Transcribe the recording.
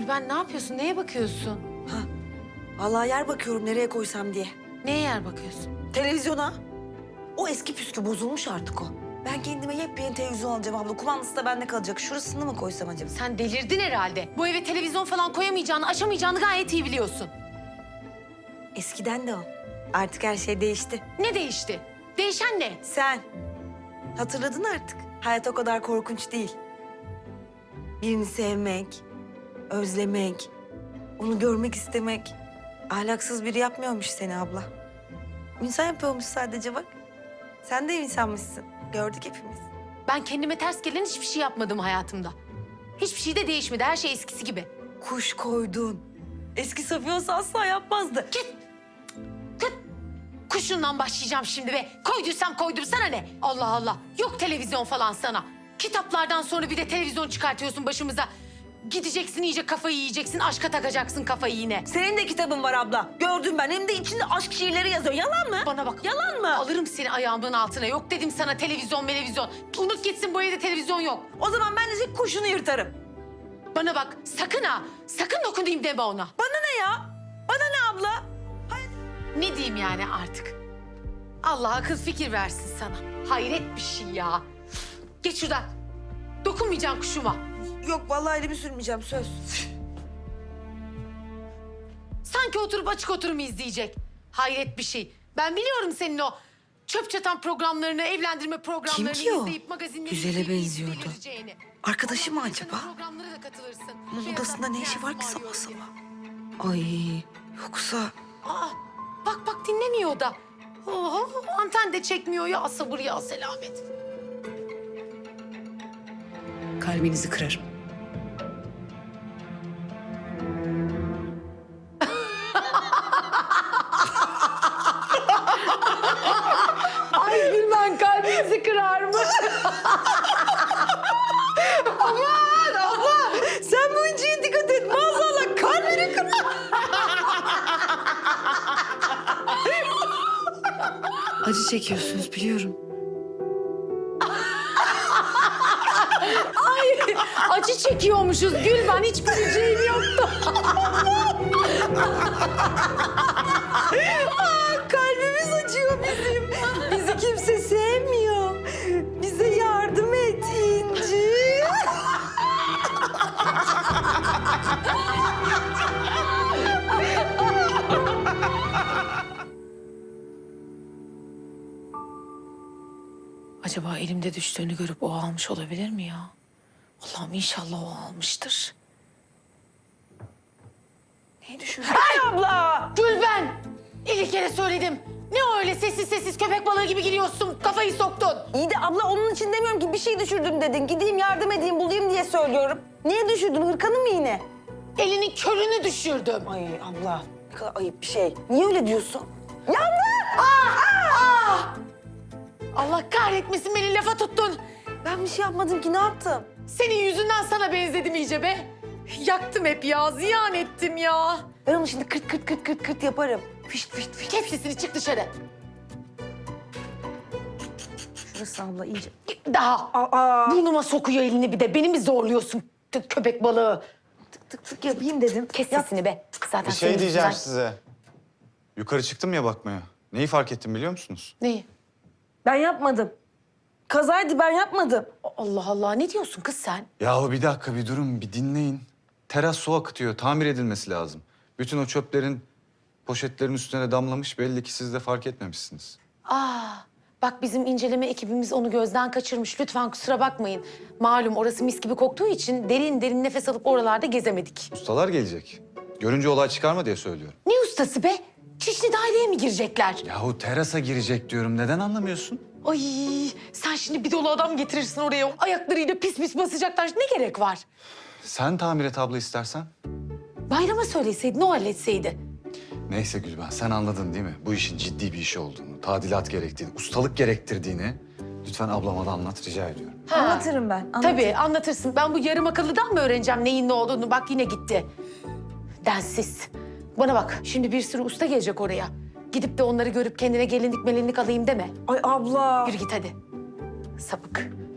Gülben ne yapıyorsun? Neye bakıyorsun? Vallahi yer bakıyorum nereye koysam diye. Neye yer bakıyorsun? Televizyona. O eski püskü bozulmuş artık o. Ben kendime yepyeni televizyon alacağım abla. Kumandası da bende kalacak. Şurasını mı koysam acaba? Sen delirdin herhalde. Bu eve televizyon falan koyamayacağını, aşamayacağını gayet iyi biliyorsun. Eskiden de o. Artık her şey değişti. Ne değişti? Değişen ne? Sen. Hatırladın artık. Hayat o kadar korkunç değil. Birini sevmek, özlemek, onu görmek istemek. Ahlaksız biri yapmıyormuş seni abla. İnsan yapıyormuş sadece bak. Sen de insanmışsın. Gördük hepimiz. Ben kendime ters gelen hiçbir şey yapmadım hayatımda. Hiçbir şey de değişmedi. Her şey eskisi gibi. Kuş koydun. Eski Safiye olsa asla yapmazdı. Git. Kuşundan başlayacağım şimdi be. Koyduysam koydum, sana ne? Allah Allah. Yok televizyon falan sana. Kitaplardan sonra bir de televizyon çıkartıyorsun başımıza. Gideceksin iyice kafayı yiyeceksin. Aşka takacaksın kafayı yine. Senin de kitabın var abla. Gördüm ben. Hem de içinde aşk şiirleri yazıyor. Yalan mı? Bana bak. Yalan mı? Alırım seni ayağımın altına. Yok dedim sana televizyon. Unut gitsin, bu evde televizyon yok. O zaman ben de senin kuşunu yırtarım. Bana bak sakın ha. Sakın dokunayım deme ona. Bana ne ya? Bana ne abla? Ne diyeyim yani artık? Allah akıl fikir versin sana. Hayret bir şey ya. Geç şuradan. Dokunmayacaksın kuşuma. Yok vallahi elimi sürmeyeceğim söz. Sanki oturup açık oturum izleyecek. Hayret bir şey. Ben biliyorum senin o çöp çatan programlarını, evlendirme programlarını ki o? izleyip magazinleri Güzele izleyip benziyordu. delireceğini. Arkadaşı mı acaba? Programlara da katılırsın. Onun Şey odasında yazar, ne işi var ki prens sabah varıyor sabah? diye. Ay yoksa... Aa, bak dinlemiyor o da. Oho, anten de çekmiyor ya, sabır ya selamet. Kalbinizi kırarım. Ay Gülben, kalbinizi kırar mı? Aman abla sen bu inciye dikkat et. Maazallah kalbini kırar. Acı çekiyorsunuz biliyorum. Acı çekiyormuşuz Gülben, hiç güleceğim yoktu. Kalbimiz acıyor bizim. Bizi kimse sevmiyor. Bize yardım et İnci. Acaba elimde düştüğünü görüp o almış olabilir mi ya? Allah'ım inşallah o almıştır. Neyi düşünüyorsun? Ay abla. Gülben! 50 kere söyledim. Ne öyle sessiz köpek balığı gibi giriyorsun, kafayı soktun. İyi de abla onun için demiyorum ki bir şey düşürdüm dedin. Gideyim yardım edeyim bulayım diye söylüyorum. Niye düşürdün hırkanı mı yine? Elinin körünü düşürdüm. Ay abla ne kadar ayıp bir şey. Niye öyle diyorsun? Yandı! Allah kahretmesin, beni lafa tuttun. Ben bir şey yapmadım ki ne yaptım? Senin yüzünden sana benzedim iyice be. Yaktım hep ya, ziyan ettim ya. Ben onu şimdi kırt yaparım. Fişt fişt fişt. Kes sesini, çık dışarı. Şurası abla iyice. Daha. Aa. Burnuma sokuyor elini bir de. Beni mi zorluyorsun köpek balığı? Tık tık yapayım dedim. Kes sesini be. Zaten Bir şey senin diyeceğim yüzünden- size. Yukarı çıktım ya bakmaya. Neyi fark ettim biliyor musunuz? Neyi? Ben yapmadım. Kazaydı ben yapmadım. Allah Allah, ne diyorsun kız sen? Yahu bir dakika bir durun bir dinleyin. Teras su akıtıyor. Tamir edilmesi lazım. Bütün o çöplerin poşetlerin üstüne damlamış. Belli ki siz de fark etmemişsiniz. Bak bizim inceleme ekibimiz onu gözden kaçırmış. Lütfen kusura bakmayın. Malum orası mis gibi koktuğu için derin nefes alıp oralarda gezemedik. Ustalar gelecek. Görünce olay çıkarma diye söylüyorum. Ne ustası be? Çişli daireye mi girecekler? Yahu terasa girecek diyorum. Neden anlamıyorsun? Ay sen şimdi bir dolu adam getirirsin oraya. Ayaklarıyla pis basacaklar. Ne gerek var? Sen tamir et abla istersen. Bayrama söyleseydin, o halletseydi. Neyse Gülben sen anladın değil mi? Bu işin ciddi bir iş olduğunu, tadilat gerektiğini, ustalık gerektirdiğini lütfen ablama da anlat rica ediyorum. Anlatırım ben. Anlatırım. Tabii anlatırsın. Ben bu yarım akıllıdan mı öğreneceğim neyin ne olduğunu? Bak yine gitti. Densiz. Bana bak, şimdi bir sürü usta gelecek oraya. Gidip de onları görüp kendine gelinlik melinlik alayım deme. Ay abla. Yürü git hadi. Sapık.